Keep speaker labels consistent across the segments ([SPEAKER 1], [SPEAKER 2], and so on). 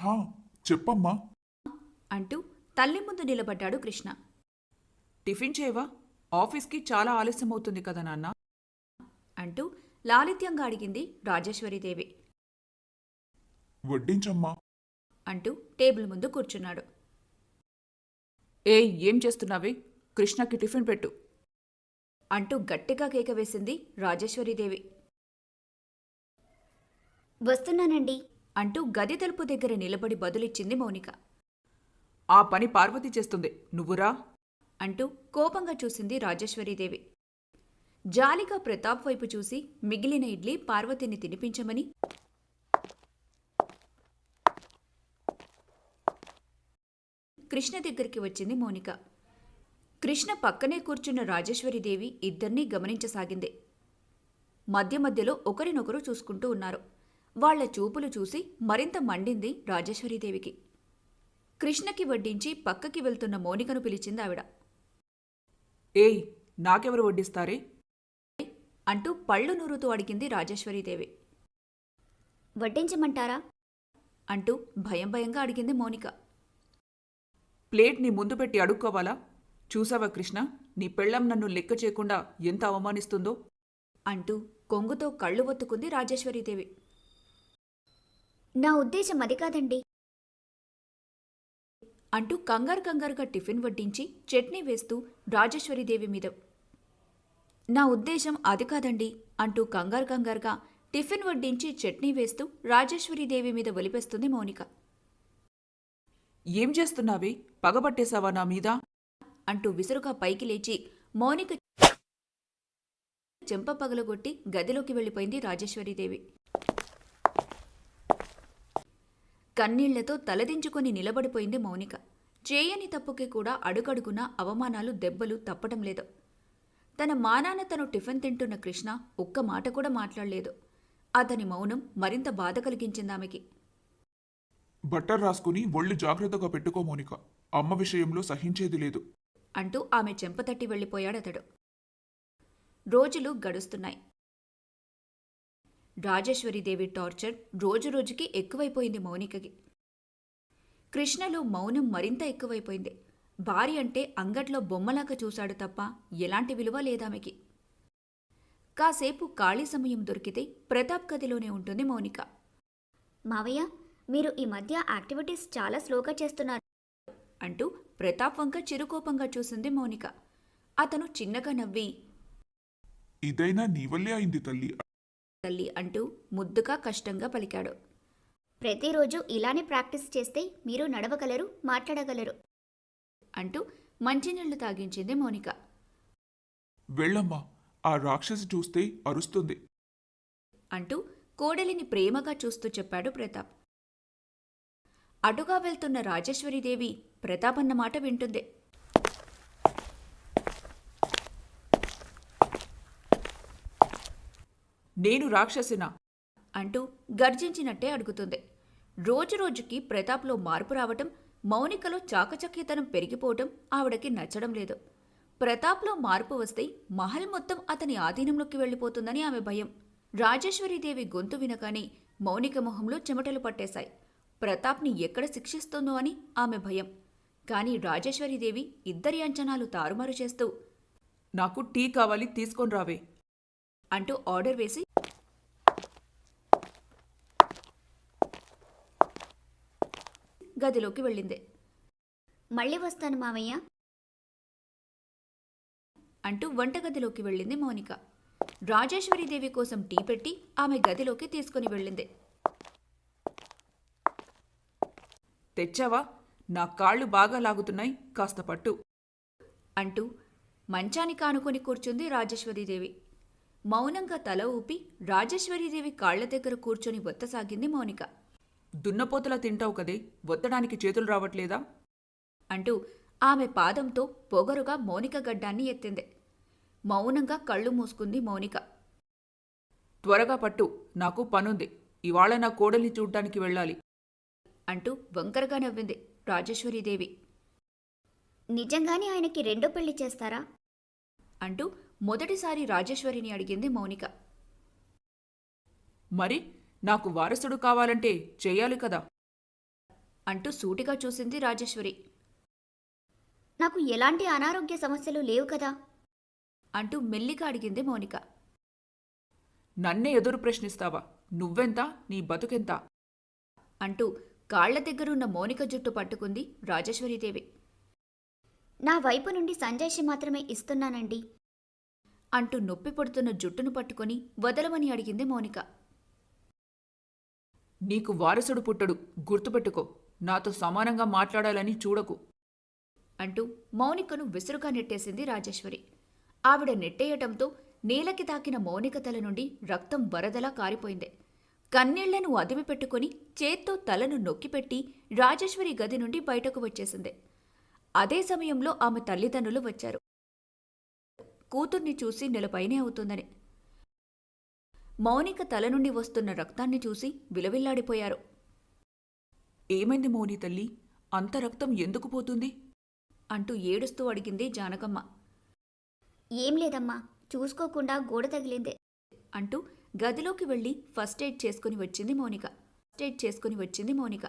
[SPEAKER 1] హా, చెప్పమ్మా.
[SPEAKER 2] అంటూ తల్లి ముందు నిలబడ్డాడు కృష్ణ.
[SPEAKER 3] టిఫిన్ చేయవా? ఆఫీస్కి చాలా ఆలస్యమవుతుంది కదా నాన్న
[SPEAKER 2] అంటూ లాలిత్యంగా అడిగింది రాజేశ్వరీదేవి.
[SPEAKER 1] వడ్డించమ్మా.
[SPEAKER 2] అంటూ టేబుల్ ముందు కూర్చున్నాడు.
[SPEAKER 3] ఏం చేస్తున్నావే? కృష్ణకి టిఫిన్ పెట్టు
[SPEAKER 2] అంటూ గట్టిగా కేక వేసింది రాజేశ్వరీదేవి.
[SPEAKER 4] వస్తున్నానండి
[SPEAKER 2] అంటూ గది తలుపు దగ్గర నిలబడి బదులిచ్చింది మౌనిక.
[SPEAKER 3] ఆ పని పార్వతి చేస్తుంది, నువ్వురా
[SPEAKER 2] అంటూ కోపంగా చూసింది రాజేశ్వరీదేవి. జాలిగా ప్రతాప్ వైపు చూసి మిగిలిన ఇడ్లీ పార్వతిని తినిపించమని కృష్ణ దగ్గరికి వచ్చింది మౌనిక. కృష్ణ పక్కనే కూర్చున్న రాజేశ్వరీదేవి ఇద్దర్నీ గమనించసాగింది. మధ్య మధ్యలో ఒకరినొకరు చూసుకుంటూ ఉన్నారు. వాళ్ల చూపులు చూసి మరింత మండింది రాజేశ్వరీదేవికి. కృష్ణకి వడ్డించి పక్కకి వెళ్తున్న మౌనికను పిలిచింది ఆవిడ.
[SPEAKER 3] ఏయ్, నాకెవరు వడ్డిస్తారే?
[SPEAKER 2] అంటూ పళ్ళు నూరుతూ అడిగింది రాజేశ్వరీదేవి.
[SPEAKER 4] వడ్డించమంటారా
[SPEAKER 2] అంటూ భయం భయంగా అడిగింది మౌనిక.
[SPEAKER 3] ప్లేట్ నీ ముందు పెట్టి అడుక్కోవాలా? చూసావా కృష్ణ, నీ పెళ్ళం నన్ను లెక్క చేయకుండా ఎంత అవమానిస్తుందో
[SPEAKER 2] అంటూ కొంగుతో కళ్ళు ఒత్తుకుంది రాజేశ్వరీదేవి.
[SPEAKER 4] నా ఉద్దేశం అది కాదండి
[SPEAKER 2] అంటూ కంగారుగా టిఫిన్ వడ్డించి చట్నీ వేస్తూ రాజేశ్వరీదేవి మీద. నా ఉద్దేశం అది కాదండి అంటూ కంగారుగా టిఫిన్ వడ్డించి చట్నీ వేస్తూ రాజేశ్వరీదేవి మీద ఒలిపేస్తుంది మౌనిక.
[SPEAKER 3] ఏం చేస్తున్నావే? పగబట్టేశావా నా మీద?
[SPEAKER 2] అంటూ విసురుగా పైకి లేచి మౌనిక చెంప పగలగొట్టి గదిలోకి వెళ్ళిపోయింది రాజేశ్వరీదేవి. కన్నీళ్లతో తలదించుకొని నిలబడిపోయింది మౌనిక. చేయని తప్పుకి కూడా అడుగడుగున అవమానాలు దెబ్బలు తప్పటం లేదు. తన మానాన తను టిఫిన్ తింటున్న కృష్ణ ఒక్క మాట కూడా మాట్లాడలేదు. అతని మౌనం మరింత బాధ కలిగించిందామెకి.
[SPEAKER 1] బట్టర్ రాసుకుని ఒళ్ళు జాగ్రత్తగా పెట్టుకో మోనిక. అమ్మ విషయంలో సహించేది లేదు
[SPEAKER 2] అంటూ ఆమె చెంపతట్టి వెళ్ళిపోయాడతడు. రోజులు గడుస్తున్నాయి. రాజేశ్వరీదేవి టార్చర్ రోజురోజుకి ఎక్కువైపోయింది మౌనికకి. కృష్ణలో మౌనం మరింత ఎక్కువైపోయింది. భార్య అంటే అంగట్లో బొమ్మలాగా చూశాడు తప్ప ఎలాంటి విలువ లేదామెకి. కాసేపు ఖాళీ సమయం దొరికితే ప్రతాప్ గదిలోనే ఉంటుంది మౌనిక.
[SPEAKER 4] మావయ్య, మీరు ఈ మధ్య యాక్టివిటీస్ చాలా స్లోగా చేస్తున్నారు
[SPEAKER 2] అంటూ ప్రతాప్ వంక చిరుకోపంగా చూసింది మౌనిక. అతను చిన్నగా నవ్వి,
[SPEAKER 1] ఇదైనా నీ వల్లే అయింది తల్లి.
[SPEAKER 2] తల్లి అంటూ ముద్దుగా కష్టంగా పలికాడు.
[SPEAKER 4] ప్రతిరోజు ఇలానే ప్రాక్టీస్ చేస్తే మీరు నడవగలరు, మాట్లాడగలరు
[SPEAKER 2] అంటూ మంచినీళ్లు తాగించింది మౌనిక.
[SPEAKER 1] వెళ్ళమ్మా, ఆ రాక్షసి చూస్తే అరుస్తుంది
[SPEAKER 2] అంటూ కోడలిని ప్రేమగా చూస్తూ చెప్పాడు ప్రతాప్. అటుగా వెళ్తున్న రాజేశ్వరీదేవి ప్రతాప్ అన్న మాట వింటుంది.
[SPEAKER 3] నేను రాక్షసినా
[SPEAKER 2] అంటూ గర్జించినట్టే అడుగుతుంది. రోజురోజుకి ప్రతాప్లో మార్పు రావటం, మౌనికలో చాకచక్యతనం పెరిగిపోవటం ఆవిడకి నచ్చడం లేదు. ప్రతాప్లో మార్పు వస్తే మహల్ మొత్తం అతని ఆధీనంలోకి వెళ్ళిపోతుందని ఆమె భయం. రాజేశ్వరీదేవి గొంతు వినగానే మౌనిక మొహంలో చెమటలు పట్టేశాయి. ప్రతాప్ని ఎక్కడ శిక్షిస్తుందో అని ఆమె భయం. కాని రాజేశ్వరీదేవి ఇద్దరి అంచనాలు తారుమారు చేస్తూ,
[SPEAKER 3] నాకు టీ కావాలి, తీసుకొని రావే
[SPEAKER 2] అంటూ ఆర్డర్ వేసి గదిలోకి వెళ్ళింది.
[SPEAKER 4] మళ్ళీ వస్తాను మావయ్య
[SPEAKER 2] అంటూ వంటగదిలోకి వెళ్ళింది మౌనిక. రాజేశ్వరీదేవి కోసం టీ పెట్టి ఆమె గదిలోకి తీసుకుని వెళ్ళింది.
[SPEAKER 3] తెచ్చావా? నా కాళ్ళు బాగా లాగుతున్నాయి, కాస్త పట్టు
[SPEAKER 2] అంటూ మంచానికి ఆనుకొని కూర్చుంది రాజేశ్వరీదేవి. మౌనంగా తల ఊపి రాజేశ్వరీదేవి కాళ్ల దగ్గర కూర్చొని ఒత్తసాగింది మౌనిక.
[SPEAKER 3] దున్నపోతలా తింటావు కదే, ఒత్తడానికి చేతులు రావట్లేదా
[SPEAKER 2] అంటూ ఆమె పాదంతో పొగరుగా మౌనిక గడ్డాన్ని ఎత్తింది. మౌనంగా కళ్ళు మూసుకుంది మౌనిక.
[SPEAKER 3] త్వరగా పట్టు, నాకు పనుంది, ఇవాళ నా కోడల్ని చూడ్డానికి వెళ్ళాలి
[SPEAKER 2] అంటూ వంకరగా నవ్వింది రాజేశ్వరీదేవి.
[SPEAKER 4] నిజంగానే ఆయనకి రెండో పెళ్లి చేస్తారా
[SPEAKER 2] అంటూ మొదటిసారి రాజేశ్వరిని అడిగింది మౌనిక.
[SPEAKER 3] మరి నాకు వారసుడు కావాలంటే చెయ్యాలి కదా
[SPEAKER 2] అంటూ సూటిగా చూసింది రాజేశ్వరి.
[SPEAKER 4] నాకు ఎలాంటి అనారోగ్య సమస్యలు లేవు కదా.
[SPEAKER 2] అంటూ మెల్లిగా అడిగింది మౌనిక.
[SPEAKER 3] నన్నే ఎదురు ప్రశ్నిస్తావా? నువ్వెంత, నీ బతుకెంత?
[SPEAKER 2] అంటూ కాళ్ల దగ్గరున్న మౌనిక జుట్టు పట్టుకుంది రాజేశ్వరీదేవి.
[SPEAKER 4] నా వైపు నుండి సంజయ్షి మాత్రమే ఇస్తున్నానండి.
[SPEAKER 2] అంటూ నొప్పి పడుతున్న జుట్టును పట్టుకొని వదలమని అడిగింది మౌనిక.
[SPEAKER 3] నీకు వారసుడు పుట్టడు, గుర్తుపెట్టుకో. నాతో సమానంగా మాట్లాడాలని చూడకు.
[SPEAKER 2] అంటూ మౌనికను విసురుగా నెట్టేసింది రాజేశ్వరి. ఆవిడ నెట్టేయటంతో నేలకి తాకిన మౌనిక తల నుండి రక్తం వరదలా కారిపోయింది. కన్నీళ్లను అదిమి పెట్టుకుని చేత్తో తలను నొక్కిపెట్టి రాజేశ్వరి గది నుండి బయటకు వచ్చేసింది. అదే సమయంలో ఆమె తల్లిదండ్రులు వచ్చారు. కూతుర్ని చూసి నెలపైనే అవుతుందని. మౌనిక తల నుండి వస్తున్న రక్తాన్ని చూసి విలవిల్లాడిపోయారు.
[SPEAKER 3] ఏమైంది మౌని తల్లి? అంత రక్తం ఎందుకు పోతుంది?
[SPEAKER 2] అంటూ ఏడుస్తూ అడిగింది జానకమ్మ.
[SPEAKER 4] ఏం లేదమ్మా, చూసుకోకుండా గోడ తగిలిందే.
[SPEAKER 2] అంటూ గదిలోకి వెళ్లి ఫస్ట్ ఎయిడ్ చేసుకుని వచ్చింది మౌనిక.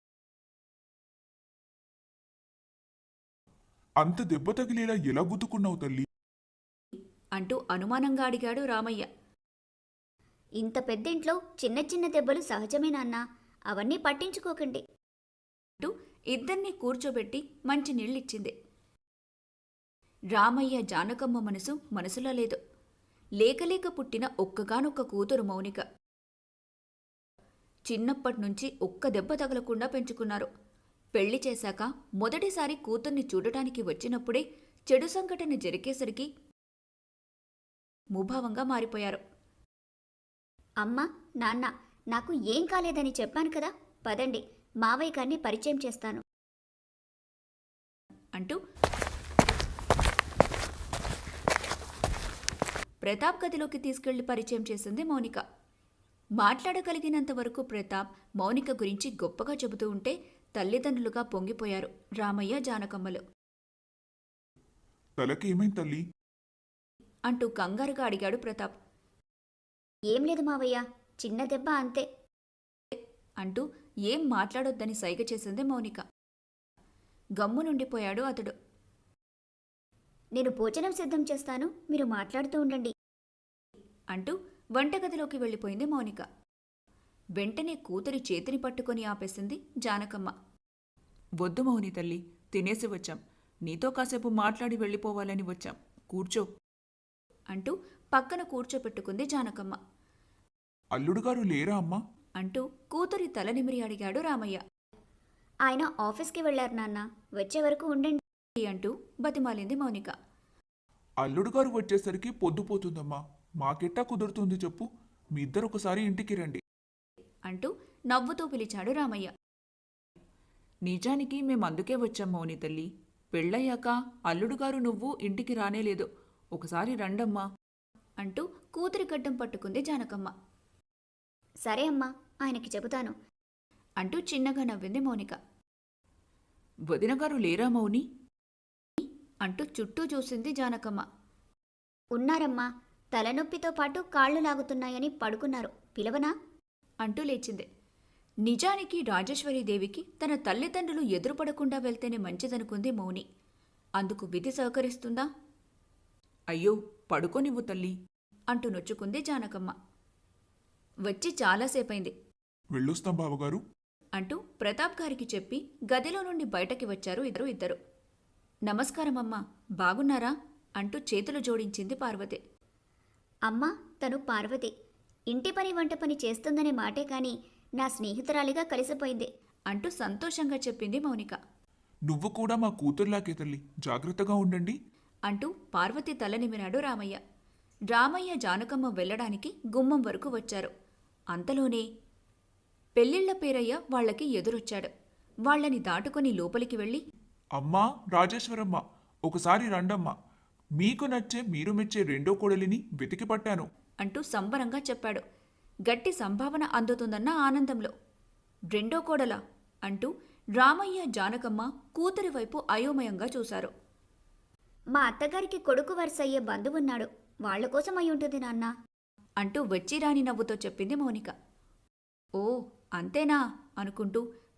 [SPEAKER 1] అంత దెబ్బ తగిలేలా ఎలా గుద్దుకున్నావు తల్లి?
[SPEAKER 2] అంటూ అనుమానంగా అడిగాడు రామయ్య.
[SPEAKER 4] ఇంత పెద్దింట్లో చిన్న చిన్న దెబ్బలు సహజమే నాన్నా, అవన్నీ పట్టించుకోకండి.
[SPEAKER 2] అంటూ ఇద్దర్నీ కూర్చోబెట్టి మంచి నీళ్ళిచ్చింది. రామయ్య జానకమ్మ మనసులో లేదు. లేకలేక పుట్టిన ఒక్కగానొక్క కూతురు మౌనిక. చిన్నప్పట్నుంచి ఒక్క దెబ్బ తగలకుండా పెంచుకున్నారు. పెళ్లి చేశాక మొదటిసారి కూతుర్ని చూడటానికి వచ్చినప్పుడే చెడు సంఘటన జరిగేసరికి ముభావంగా మారిపోయారు.
[SPEAKER 4] అమ్మా, నాన్న, నాకు ఏం కాలేదని చెప్పాను కదా, పదండి, మావయ్య గారిని పరిచయం చేస్తాను.
[SPEAKER 2] అంటూ ప్రతాప్ గదిలోకి తీసుకెళ్లి పరిచయం చేసింది మౌనిక. మాట్లాడగలిగినంత వరకు ప్రతాప్ మౌనిక గురించి గొప్పగా చెబుతూ ఉంటే తల్లిదండ్రులుగా పొంగిపోయారు రామయ్య జానకమ్మలు.
[SPEAKER 1] తలకి ఏమైంది తల్లి?
[SPEAKER 2] అంటూ కంగారుగా అడిగాడు ప్రతాప్.
[SPEAKER 4] ఏం లేదు మావయ్య, చిన్న దెబ్బ అంతే.
[SPEAKER 2] అంటూ ఏం మాట్లాడొద్దని సైగ చేసింది మౌనిక. గమ్మునుండిపోయాడు అతడు.
[SPEAKER 4] నేను భోజనం సిద్ధం చేస్తాను, మీరు మాట్లాడుతూ ఉండండి.
[SPEAKER 2] అంటూ వంటగదిలోకి వెళ్ళిపోయింది మౌనిక. వెంటనే కూతురి చేతిని పట్టుకొని ఆపేసింది జానకమ్మ.
[SPEAKER 3] వద్దు మౌని తల్లి, తినేసి వచ్చాం. నీతో కాసేపు మాట్లాడి వెళ్ళిపోవాలని వచ్చాం. కూర్చో.
[SPEAKER 2] అంటూ పక్కన కూర్చోపెట్టుకుంది జానకమ్మ.
[SPEAKER 1] అల్లుడుగారు లేరా అమ్మా?
[SPEAKER 2] అంటూ కూతురి తల నిమిరి అడిగాడు రామయ్య.
[SPEAKER 4] ఆయన ఆఫీస్కి వెళ్లారు నాన్న, వచ్చే వరకు ఉండండి
[SPEAKER 2] అంటూ బతిమాలింది మౌనిక.
[SPEAKER 1] అల్లుడుగారు వచ్చేసరికి పొద్దుపోతుందమ్మా. మాకెట్టా కుదురుతుంది చెప్పు? మీ ఇద్దరు ఒకసారి ఇంటికి రండి.
[SPEAKER 2] అంటూ నవ్వుతూ పిలిచాడు రామయ్య.
[SPEAKER 3] నిజానికి మేమందుకే వచ్చాం మౌని తల్లి. పెళ్ళయ్యాక అల్లుడుగారు నువ్వు ఇంటికి రానేలేదు. ఒకసారి రండమ్మా.
[SPEAKER 2] అంటూ కూతురి గడ్డం పట్టుకుంది జానకమ్మ.
[SPEAKER 4] సరే అమ్మా, ఆయనకి చెబుతాను.
[SPEAKER 2] అంటూ చిన్నగా నవ్వింది మౌనిక.
[SPEAKER 3] వదినగారు లేరా మౌని?
[SPEAKER 2] అంటూ చుట్టూ చూసింది జానకమ్మ.
[SPEAKER 4] ఉన్నారమ్మా, తలనొప్పితో పాటు కాళ్ళు లాగుతున్నాయని పడుకున్నారు, పిలవనా?
[SPEAKER 2] అంటూ లేచింది. నిజానికి రాజేశ్వరీదేవికి తన తల్లిదండ్రులు ఎదురుపడకుండా వెళ్తేనే మంచిదనుకుంది మౌని. అందుకు విధి సహకరిస్తుందా?
[SPEAKER 3] అయ్యో, పడుకోనివ్వు తల్లి.
[SPEAKER 2] అంటూ నొచ్చుకుంది జానకమ్మ. వచ్చి చాలాసేపైంది.
[SPEAKER 1] వెళ్ళొస్తాం బావగారు.
[SPEAKER 2] అంటూ ప్రతాప్ గారికి చెప్పి గదిలో నుండి బయటకి వచ్చారు ఇద్దరు. నమస్కారమమ్మా, బాగున్నారా? అంటూ చేతులు జోడించింది పార్వతి.
[SPEAKER 4] అమ్మా, తను పార్వతి. ఇంటి పని వంట పని చేస్తుందనే మాటే కాని నా స్నేహితురాలిగా కలిసిపోయింది.
[SPEAKER 2] అంటూ సంతోషంగా చెప్పింది మౌనిక.
[SPEAKER 1] నువ్వు కూడా మా కూతుర్లాకే తల్లి, జాగ్రత్తగా ఉండండి.
[SPEAKER 2] అంటూ పార్వతి తల నిమిరాడు రామయ్య. రామయ్య జానకమ్మ వెళ్లడానికి గుమ్మం వరకు వచ్చారు. అంతలోనే పెళ్ళిళ్ల పేరయ్య వాళ్లకి ఎదురొచ్చాడు. వాళ్లని దాటుకుని లోపలికి వెళ్ళి,
[SPEAKER 1] అమ్మా రాజేశ్వరమ్మ, ఒకసారి రండమ్మా. మీకు నచ్చే మీరు మెచ్చే రెండో కోడలిని వెతికి పట్టాను.
[SPEAKER 2] అంటూ సంబరంగా చెప్పాడు. గట్టి సంభావన అందుతుందన్న ఆనందంలో. రెండో కోడలా? అంటూ రామయ్య జానకమ్మ కూతురి వైపు అయోమయంగా చూశారు.
[SPEAKER 4] మా అత్తగారికి కొడుకు వరుసయ్యే బంధువున్నాడు, వాళ్ల కోసం అయి ఉంటుంది నాన్న.
[SPEAKER 2] అంటూ వచ్చిరాని నవ్వుతో చెప్పింది మౌనిక. ఓ అంతేనా అనుకుంటూ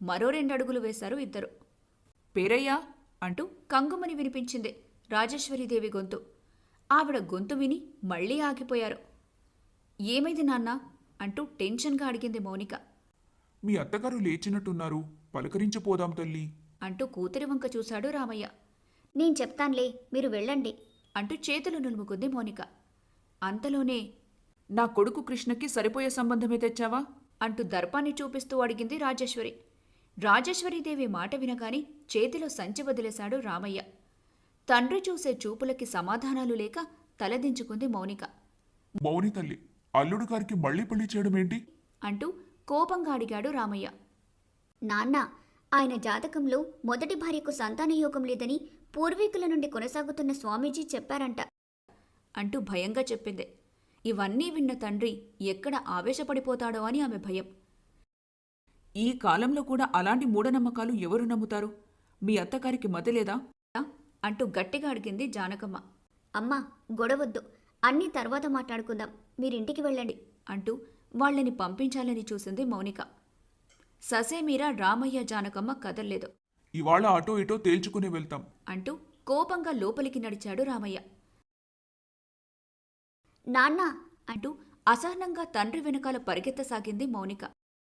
[SPEAKER 2] మరో 2 అడుగులు వేశారు ఇద్దరు.
[SPEAKER 3] పేరయ్యా
[SPEAKER 2] అంటూ కంగుమని వినిపించింది రాజేశ్వరీదేవి గొంతు. ఆవిడ గొంతు విని మళ్లీ ఆగిపోయారు. ఏమైంది నాన్నా అంటూ టెన్షన్గా అడిగింది మౌనిక.
[SPEAKER 1] మీ అత్తగారు లేచినట్టున్నారు, పలకరించిపోదాం తల్లి.
[SPEAKER 2] అంటూ కూతురి వంక చూశాడు రామయ్య.
[SPEAKER 4] నేను చెప్తాన్లే, మీరు వెళ్ళండి.
[SPEAKER 2] అంటూ చేతులు నులుముకుంది మౌనిక. అంతలోనే
[SPEAKER 3] నా కొడుకు కృష్ణకి సరిపోయే సంబంధమే తెచ్చావా?
[SPEAKER 2] అంటూ దర్పాన్ని చూపిస్తూ అడిగింది రాజేశ్వరి. రాజేశ్వరీదేవి మాట వినగాని చేతిలో సంచి వదిలేశాడు రామయ్య. తండ్రి చూసే చూపులకి సమాధానాలు లేక తలదించుకుంది మౌనిక.
[SPEAKER 1] మౌని తల్లి, అల్లుడు గారికి మళ్ళీ పెళ్లి చేయడమేంటి?
[SPEAKER 2] అంటూ కోపంగా అడిగాడు రామయ్య.
[SPEAKER 4] నాన్న, ఆయన జాతకంలో మొదటి భార్యకు సంతాన యోగం లేదని పూర్వీకుల నుండి కొనసాగుతున్న స్వామీజీ చెప్పారంట.
[SPEAKER 2] అంటూ భయంగా చెప్పింది. ఇవన్నీ విన్న తండ్రి ఎక్కడ ఆవేశపడిపోతాడో అని ఆమె భయం.
[SPEAKER 3] ఈ కాలంలో కూడా అలాంటి మూఢనమ్మకాలు ఎవరు నమ్ముతారు? మీ అత్తగారికి మతి లేదా?
[SPEAKER 2] అంటూ గట్టిగా అడిగింది జానకమ్మ.
[SPEAKER 4] అమ్మా, గొడవద్దు, అన్నీ తర్వాత మాట్లాడుకుందాం, మీరింటికి వెళ్ళండి.
[SPEAKER 2] అంటూ వాళ్ళని పంపించాలని చూసింది మౌనిక. ససేమీరా రామయ్య జానకమ్మ కదల్లేదు.
[SPEAKER 1] ఇవాళ అటో ఇటో తేల్చుకుని వెళ్తాం
[SPEAKER 2] అంటూ కోపంగా లోపలికి నడిచాడు రామయ్య.
[SPEAKER 4] నాన్న,
[SPEAKER 2] అంటూ అసహనంగా తండ్రి వెనకాల పరిగెత్తసాగింది మౌనిక.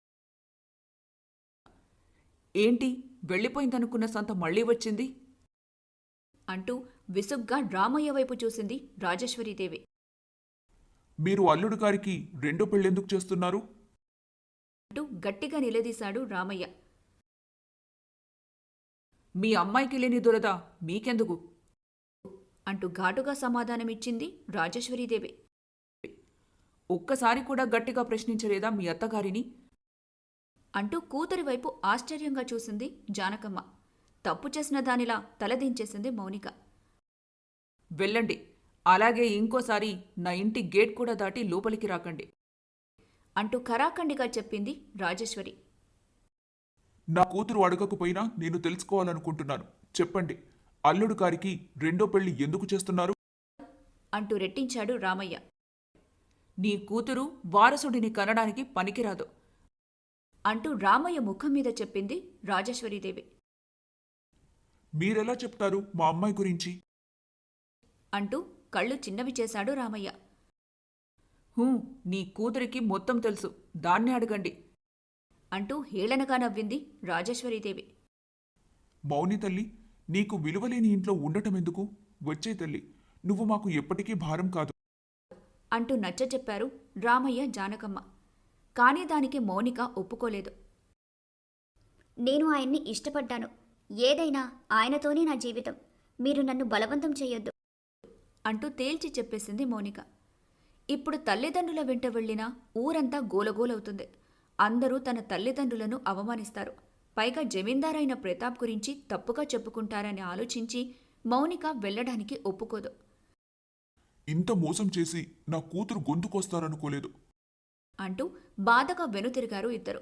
[SPEAKER 3] ఏంటి, వెళ్ళిపోయిందనుకున్న సంత మళ్ళీ వచ్చింది?
[SPEAKER 2] అంటూ విసుగ్గా రామయ్య వైపు చూసింది రాజేశ్వరీదేవి.
[SPEAKER 1] మీరు అల్లుడు గారికి రెండో పెళ్ళెందుకు చేస్తున్నారు?
[SPEAKER 2] అంటూ గట్టిగా నిలదీశాడు రామయ్య.
[SPEAKER 3] మీ అమ్మాయికి లేని దురద మీకెందుకు?
[SPEAKER 2] అంటూ ఘాటుగా సమాధానమిచ్చింది రాజేశ్వరీదేవి.
[SPEAKER 3] ఒక్కసారి కూడా గట్టిగా ప్రశ్నించలేదా మీ అత్తగారిని?
[SPEAKER 2] అంటూ కూతురి వైపు ఆశ్చర్యంగా చూసింది జానకమ్మ. తప్పు చేసిన దానిలా తలదించేసింది మౌనిక.
[SPEAKER 3] వెళ్ళండి, అలాగే ఇంకోసారి నా ఇంటి గేట్ కూడా దాటి లోపలికి రాకండి.
[SPEAKER 2] అంటూ ఖరాఖండిగా చెప్పింది రాజేశ్వరి.
[SPEAKER 1] నా కూతురు అడగకపోయినా నేను తెలుసుకోవాలనుకుంటున్నాను. చెప్పండి, అల్లుడు గారికి రెండో పెళ్లి ఎందుకు చేస్తున్నారు?
[SPEAKER 2] అంటూ రెట్టించాడు రామయ్య.
[SPEAKER 3] నీ కూతురు వారసుడిని కనడానికి పనికిరాదు.
[SPEAKER 2] అంటూ రామయ్య ముఖం మీద చెప్పింది రాజేశ్వరీదేవి.
[SPEAKER 1] మీరెలా చెప్తారు మా అమ్మాయి గురించి?
[SPEAKER 2] అంటూ కళ్ళు చిన్నవి చేశాడు రామయ్య.
[SPEAKER 3] నీ కూతురికి మొత్తం తెలుసు, దాన్ని అడగండి.
[SPEAKER 2] అంటూ హేళనగా నవ్వింది రాజేశ్వరీదేవి.
[SPEAKER 1] మౌని తల్లి, నీకు విలువలేని ఇంట్లో ఉండటమెందుకు? వచ్చే తల్లి, నువ్వు మాకు ఎప్పటికీ భారం కాదు.
[SPEAKER 2] అంటూ నచ్చచెప్పారు రామయ్య జానకమ్మ. కాని దానికి మౌనిక ఒప్పుకోలేదు.
[SPEAKER 4] నేను ఆయన్ని ఇష్టపడ్డాను, ఏదైనా ఆయనతోనే నా జీవితం, మీరు నన్ను బలవంతం చేయొద్దు.
[SPEAKER 2] అంటూ తేల్చి చెప్పేసింది మౌనిక. ఇప్పుడు తల్లిదండ్రుల వెంట వెళ్లినా ఊరంతా గోలగోలవుతుంది. అందరూ తన తల్లిదండ్రులను అవమానిస్తారు. పైగా జమీందారైన ప్రతాప్ గురించి తప్పుగా చెప్పుకుంటారని ఆలోచించి మౌనిక వెళ్లడానికి ఒప్పుకోదు.
[SPEAKER 1] ఇంత మోసం చేసి నా కూతురు గొంతుకొస్తారనుకోలేదు.
[SPEAKER 2] అంటూ బాధగా వెనుతిరిగారు ఇద్దరు.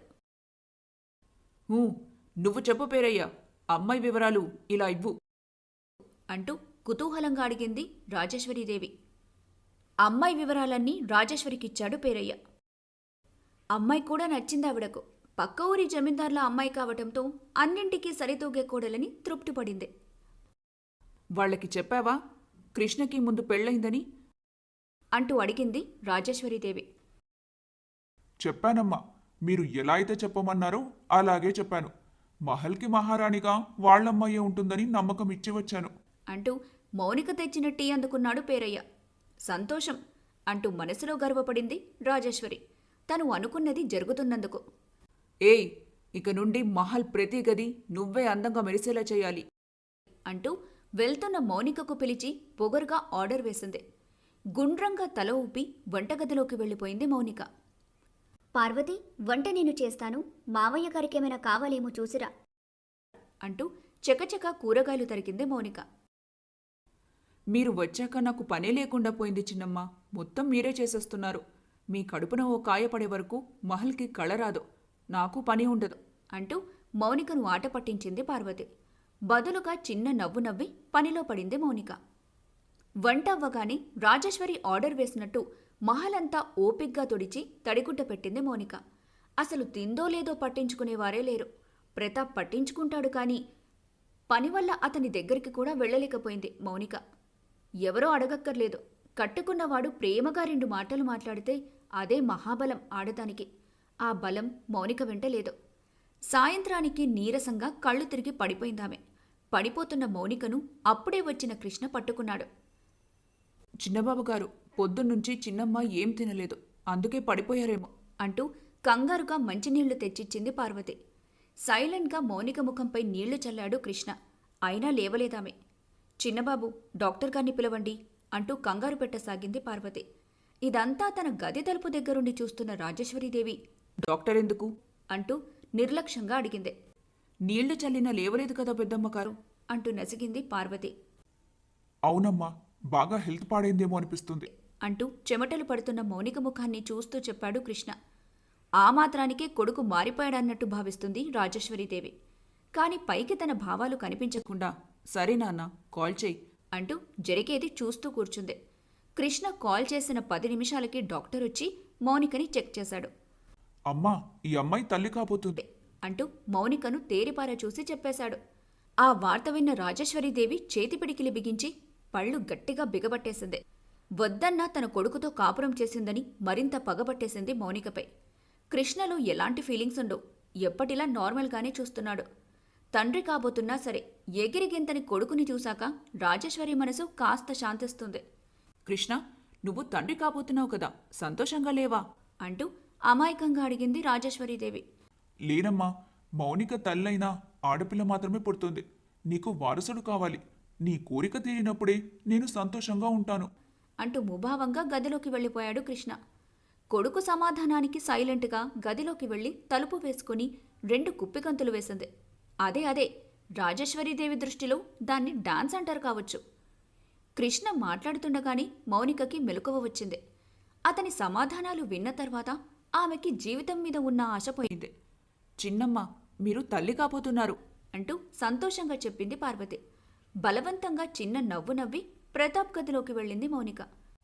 [SPEAKER 3] నువ్వు చెప్పు పేరయ్యా, అమ్మాయి వివరాలు ఇలా ఇవ్వు.
[SPEAKER 2] అంటూ కుతూహలంగా అడిగింది రాజేశ్వరీదేవి. అమ్మాయి వివరాలన్నీ రాజేశ్వరికిచ్చాడు పేరయ్య. అమ్మాయి కూడా నచ్చిందావిడకు. పక్క ఊరి జమీందార్ల అమ్మాయి కావటంతో అన్నింటికీ సరితూగే కోడలని తృప్తిపడింది.
[SPEAKER 3] వాళ్ళకి చెప్పావా కృష్ణకి ముందు పెళ్ళైందని?
[SPEAKER 2] అంటూ అడిగింది రాజేశ్వరీదేవి.
[SPEAKER 1] చెప్పానమ్మా, మీరు ఎలా అయితే చెప్పమన్నారో అలాగే చెప్పాను. మహల్కి మహారాణిగా వాళ్ళమ్మాయే ఉంటుందని నమ్మకం ఇచ్చి వచ్చాను.
[SPEAKER 2] అంటూ మౌనిక తెచ్చిన టీ అందుకున్నాడు పేరయ్య. సంతోషం అంటూ మనసులో గర్వపడింది రాజేశ్వరి, తను అనుకున్నది జరుగుతున్నందుకు.
[SPEAKER 3] ఏయ్, ఇక నుండి మహల్ ప్రతి గది నువ్వే అందంగా మెరిసేలా చేయాలి.
[SPEAKER 2] అంటూ వెళ్తున్న మౌనికకు పిలిచి పొగరుగా ఆర్డర్ వేసింది. గుండ్రంగా తల ఊపి వంటగదిలోకి వెళ్ళిపోయింది మౌనిక.
[SPEAKER 4] పార్వతి, వంట నేను చేస్తాను, మావయ్య గారికేమైనా కావాలేమో చూసిరా.
[SPEAKER 2] అంటూ చకచక కూరగాయలు తరిగింది మౌనిక.
[SPEAKER 3] మీరు వచ్చాక నాకు పనే లేకుండా పోయింది చిన్నమ్మ, మొత్తం మీరే చేసేస్తున్నారు. మీ కడుపున ఓ కాయ పడే వరకు మహల్కి కళ రాదు, నాకు పని ఉండదు.
[SPEAKER 2] అంటూ మౌనికను ఆట పట్టించింది పార్వతి. బదులుగా చిన్న నవ్వు నవ్వి పనిలో పడింది మౌనిక. వంట అవ్వగానే రాజేశ్వరి ఆర్డర్ వేసినట్టు మహలంతా ఓపిగ్గా తుడిచి తడిగుడ్డ పెట్టింది మౌనిక. అసలు తిందో లేదో పట్టించుకునేవారే లేరు. ప్రతాప్ పట్టించుకుంటాడు కానీ పని వల్ల అతని దగ్గరికి కూడా వెళ్ళలేకపోయింది మౌనిక. ఎవరో అడగక్కర్లేదు, కట్టుకున్నవాడు ప్రేమగా 2 మాటలు మాట్లాడితే అదే మహాబలం ఆడదానికి. ఆ బలం మౌనిక వెంట లేదు. సాయంత్రానికి నీరసంగా కళ్ళు తిరిగి పడిపోయిందామె. పడిపోతున్న మౌనికను అప్పుడే వచ్చిన కృష్ణ పట్టుకున్నాడు.
[SPEAKER 3] చిన్నబాబు గారు, పొద్దున్నుంచి చిన్నమ్మ ఏం తినలేదు, అందుకే పడిపోయారేమో
[SPEAKER 2] అంటూ కంగారుగా మంచినీళ్లు తెచ్చిచ్చింది పార్వతి. సైలెంట్గా మౌనిక ముఖంపై నీళ్లు చల్లాడు కృష్ణ. అయినా లేవలేదామె. చిన్నబాబు, డాక్టర్ గారిని పిలవండి అంటూ కంగారు పెట్టసాగింది పార్వతి. ఇదంతా తన గది తలుపు దగ్గరుండి చూస్తున్న రాజేశ్వరీదేవి
[SPEAKER 3] డాక్టర్ ఎందుకు
[SPEAKER 2] అంటూ నిర్లక్ష్యంగా అడిగింది.
[SPEAKER 3] నీళ్లు చల్లినా లేవలేదు కదా పెద్దమ్మగారు
[SPEAKER 2] అంటూ నసిగింది పార్వతి.
[SPEAKER 1] అవునమ్మా, బాగా హెల్త్ పాడైందేమో అనిపిస్తుంది.
[SPEAKER 2] అంటూ చెమటలు పడుతున్న మౌనిక ముఖాన్ని చూస్తూ చెప్పాడు కృష్ణ. ఆ మాత్రానికే కొడుకు మారిపోయాడన్నట్టు భావిస్తుంది రాజేశ్వరీదేవి. కాని పైకి తన భావాలు కనిపించకుండా
[SPEAKER 3] సరే నాన్న, కాల్ చేయి
[SPEAKER 2] అంటూ జరిగేది చూస్తూ కూర్చుంది. కృష్ణ కాల్ చేసిన 10 నిమిషాలకి డాక్టర్ వచ్చి మౌనికని చెక్ చేశాడు.
[SPEAKER 1] అమ్మా, ఈ అమ్మాయి తల్లి కాబోతుంది
[SPEAKER 2] అంటూ మౌనికను తేరిపార చూసి చెప్పేశాడు. ఆ వార్త విన్న రాజేశ్వరీదేవి చేతి పిడికిలి బిగించి పళ్ళు గట్టిగా బిగబట్టేసింది. వద్దన్నా తన కొడుకుతో కాపురం చేసిందని మరింత పగబట్టేసింది మౌనికపై. కృష్ణలో ఎలాంటి ఫీలింగ్స్ ఉండవు. ఎప్పటిలా నార్మల్గానే చూస్తున్నాడు. తండ్రి కాబోతున్నా సరే ఎగిరిగింతని కొడుకుని చూశాక రాజేశ్వరి మనసు కాస్త శాంతిస్తుంది.
[SPEAKER 3] కృష్ణ, నువ్వు తండ్రి కాబోతున్నావు కదా, సంతోషంగా లేవా
[SPEAKER 2] అంటూ అమాయకంగా అడిగింది రాజేశ్వరీదేవి.
[SPEAKER 1] లేనమ్మా, మౌనిక తల్లైనా ఆడపిల్ల మాత్రమే పుడుతుంది. నీకు వారసుడు కావాలి. నీ కోరిక తీరినప్పుడే నేను సంతోషంగా ఉంటాను
[SPEAKER 2] అంటూ ముభావంగా గదిలోకి వెళ్ళిపోయాడు కృష్ణ. కొడుకు సమాధానానికి సైలెంట్గా గదిలోకి వెళ్ళి తలుపు వేసుకుని 2 కుప్పిగంతులు వేసింది. అదే రాజేశ్వరీదేవి దృష్టిలో దాన్ని డాన్స్ అంటారు కావచ్చు. కృష్ణ మాట్లాడుతుండగానే మౌనికకి మెలకువ వచ్చింది. అతని సమాధానాలు విన్న తర్వాత ఆమెకి జీవితం మీద ఉన్న ఆశ పోయింది.
[SPEAKER 3] చిన్నమ్మ, మీరు తల్లి కాబోతున్నారు
[SPEAKER 2] అంటూ సంతోషంగా చెప్పింది పార్వతి. బలవంతంగా చిన్న నవ్వు నవ్వి ప్రతాప్ గదిలోకి వెళ్ళింది మౌనిక.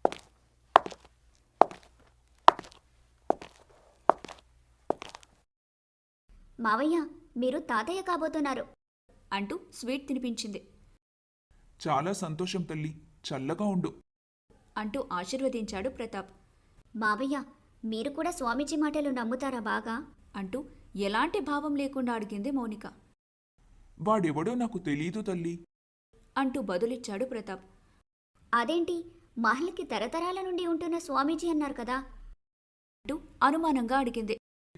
[SPEAKER 4] మావయ్య, మీరు తాతయ్య కాబోతున్నారు
[SPEAKER 2] అంటూ స్వీట్ తినిపించింది.
[SPEAKER 1] చాలా సంతోషం తల్లి, చల్లగా ఉండు
[SPEAKER 2] అంటూ ఆశీర్వదించాడు ప్రతాప్.
[SPEAKER 4] మావయ్య, మీరు కూడా స్వామీజీ మాటలు నమ్ముతారా బాగా
[SPEAKER 2] అంటూ ఎలాంటి భావం లేకుండా అడిగింది మౌనిక.
[SPEAKER 1] వాడెవడో నాకు తెలీదు తల్లి
[SPEAKER 2] అంటూ బదులిచ్చాడు ప్రతాప్.
[SPEAKER 4] అదేంటి, మహల్కి తరతరాల నుండి ఉంటున్న స్వామీజీ అన్నారు కదా
[SPEAKER 2] అంటూ అనుమానంగా అడిగింది.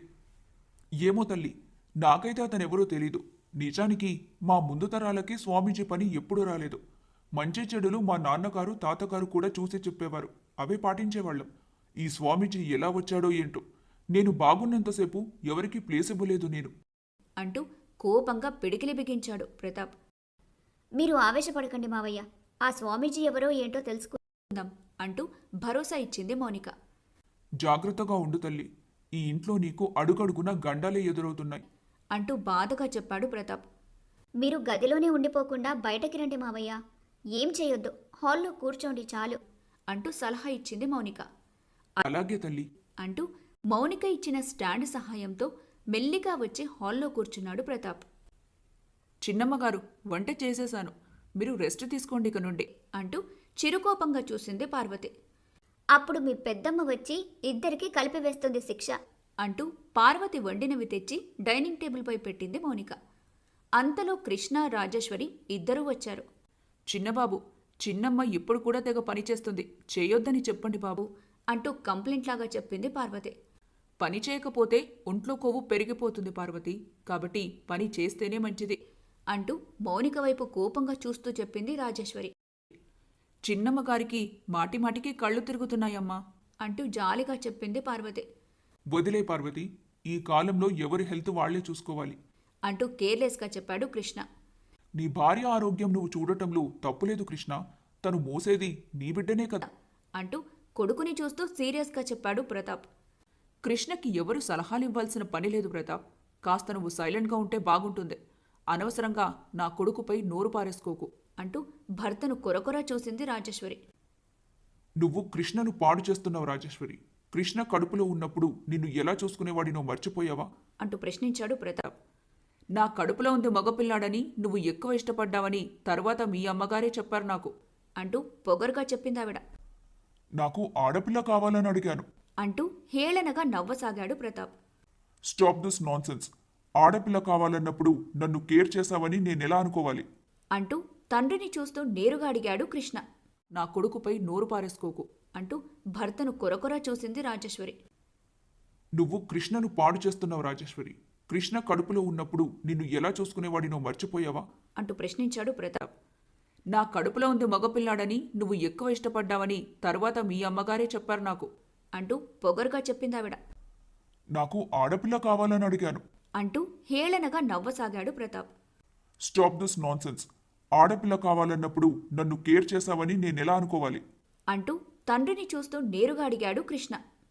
[SPEAKER 1] ఏమో తల్లి, నాకైతే అతనెవరో తెలీదు. నిజానికి మా ముందు తరాలకి స్వామీజీ పని ఎప్పుడూ రాలేదు. మంచి చెడులు మా నాన్నగారు తాతగారు కూడా చూసి చెప్పేవారు, అవే పాటించేవాళ్ళం. ఈ స్వామీజీ ఎలా వచ్చాడో ఏంటో. నేను బాగున్నంతసేపు ఎవరికీ ప్లేస్ ఇవ్వలేదు నేను
[SPEAKER 2] అంటూ కోపంగా పిడికిలి బిగించాడు ప్రతాప్.
[SPEAKER 4] మీరు ఆవేశపడకండి మావయ్య, ఆ స్వామీజీ ఎవరో ఏంటో తెలుసుకుందాం
[SPEAKER 2] అంటూ భరోసా ఇచ్చింది మౌనిక.
[SPEAKER 1] జాగ్రత్తగా ఉండు తల్లి, ఈ ఇంట్లో నీకు అడుగడుగున గండాలే ఎదురవుతున్నాయి
[SPEAKER 2] అంటూ బాధగా చెప్పాడు ప్రతాప్.
[SPEAKER 4] మీరు గదిలోనే ఉండిపోకుండా బయటకి రండి మావయ్య, ఏం చేయొద్దు, హాల్లో కూర్చోండి చాలు
[SPEAKER 2] అంటూ సలహా ఇచ్చింది మౌనిక.
[SPEAKER 1] అలాగే తల్లి
[SPEAKER 2] అంటూ మౌనిక ఇచ్చిన స్టాండ్ సహాయంతో మెల్లిగా వచ్చి హాల్లో కూర్చున్నాడు ప్రతాప్.
[SPEAKER 3] చిన్నమ్మగారు, వంట చేసేశాను, మీరు రెస్ట్ తీసుకోండి ఇక నుండి
[SPEAKER 2] అంటూ చిరుకోపంగా చూసింది పార్వతి.
[SPEAKER 4] అప్పుడు మీ పెద్దమ్మ వచ్చి ఇద్దరికీ కలిపి వేస్తుంది శిక్ష
[SPEAKER 2] అంటూ పార్వతి వండినవి తెచ్చి డైనింగ్ టేబుల్పై పెట్టింది మౌనిక. అంతలో కృష్ణ రాజేశ్వరి ఇద్దరూ వచ్చారు.
[SPEAKER 3] చిన్నబాబు, చిన్నమ్మ ఇప్పుడు కూడా తెగ పనిచేస్తుంది, చేయొద్దని చెప్పండి బాబు
[SPEAKER 2] అంటూ కంప్లైంట్లాగా చెప్పింది పార్వతి.
[SPEAKER 3] పని చేయకపోతే ఒంట్లో కొవ్వు పెరిగిపోతుంది పార్వతి, కాబట్టి పని చేస్తేనే మంచిది
[SPEAKER 2] అంటూ మౌనిక వైపు కోపంగా చూస్తూ చెప్పింది రాజేశ్వరి.
[SPEAKER 3] చిన్నమ్మగారికి మాటిమాటికి కళ్ళు తిరుగుతున్నాయమ్మా
[SPEAKER 2] అంటూ జాలిగా చెప్పింది పార్వతి.
[SPEAKER 1] వదిలే పార్వతి, ఈ కాలంలో ఎవరి హెల్త్ వాళ్లే చూసుకోవాలి
[SPEAKER 2] అంటూ కేర్లెస్గా చెప్పాడు కృష్ణ.
[SPEAKER 1] నీ భార్య ఆరోగ్యం నువ్వు చూడటంలో తప్పులేదు కృష్ణ, తను మోసేది నీ బిడ్డనే కదా
[SPEAKER 2] అంటూ కొడుకుని చూస్తూ సీరియస్గా చెప్పాడు ప్రతాప్.
[SPEAKER 3] కృష్ణకి ఎవరు సలహాలు ఇవ్వాల్సిన పని లేదు ప్రతాప్, కాస్త నువ్వు సైలెంట్గా ఉంటే బాగుంటుంది. అనవసరంగా నా కొడుకుపై నోరు పారేసుకోకు
[SPEAKER 2] అంటూ భర్తను కొరకొర చూసింది రాజేశ్వరి.
[SPEAKER 1] నువ్వు కృష్ణను పాడు చేస్తున్నావు రాజేశ్వరి. కృష్ణ కడుపులో ఉన్నప్పుడు నిన్ను ఎలా చూసుకునేవాడినో మర్చిపోయావా
[SPEAKER 2] అంటూ ప్రశ్నించాడు ప్రతాప్.
[SPEAKER 3] నా కడుపులో ఉంది మగపిల్లాడని నువ్వు ఎక్కువ ఇష్టపడ్డావని తర్వాత మీ అమ్మగారే చెప్పారు నాకు.
[SPEAKER 2] అంటూ పొగరుగా చెప్పిందావిడ.
[SPEAKER 1] నాకు ఆడపిల్ల కావాలని అడిగాను.
[SPEAKER 2] అంటూ హేళనగా నవ్వసాగాడు ప్రతాప్.
[SPEAKER 1] Stop this nonsense. ఆడపిల్ల కావాలన్నప్పుడు నన్ను కేర్ చేశావని నేనెలా అనుకోవాలి?
[SPEAKER 2] అంటూ తండ్రిని చూస్తూ నేరుగా అడిగాడు కృష్ణ.
[SPEAKER 3] నా కొడుకుపై నోరు పారేసుకోకు.
[SPEAKER 2] అంటూ భర్తను కొరకొరా చూసింది రాజేశ్వరి.
[SPEAKER 1] నువ్వు కృష్ణను పాడు చేస్తున్నావు రాజేశ్వరి. కృష్ణ కడుపులో ఉన్నప్పుడు నిన్ను ఎలా చూసుకునేవాడినో మర్చిపోయావా?
[SPEAKER 2] అంటూ ప్రశ్నించాడు ప్రతాప్.
[SPEAKER 3] నా కడుపులో ఉంది మగపిల్లాడని నువ్వు ఎక్కువ ఇష్టపడ్డావని తర్వాత మీ అమ్మగారే చెప్పారు నాకు.
[SPEAKER 2] అంటూ పొగరుగా చెప్పిందావిడ.
[SPEAKER 1] నాకు ఆడపిల్ల కావాలని అడిగాను.
[SPEAKER 2] అంటూ హేళనగా నవ్వసాగాడు ప్రతాప్.
[SPEAKER 1] Stop this nonsense. ఆడపిల్ల కావాలన్నప్పుడు నన్ను కేర్ చేశావని నేనెలా అనుకోవాలి?
[SPEAKER 2] అంటూ తండ్రిని చూస్తూ నేరుగా అడిగాడు కృష్ణ.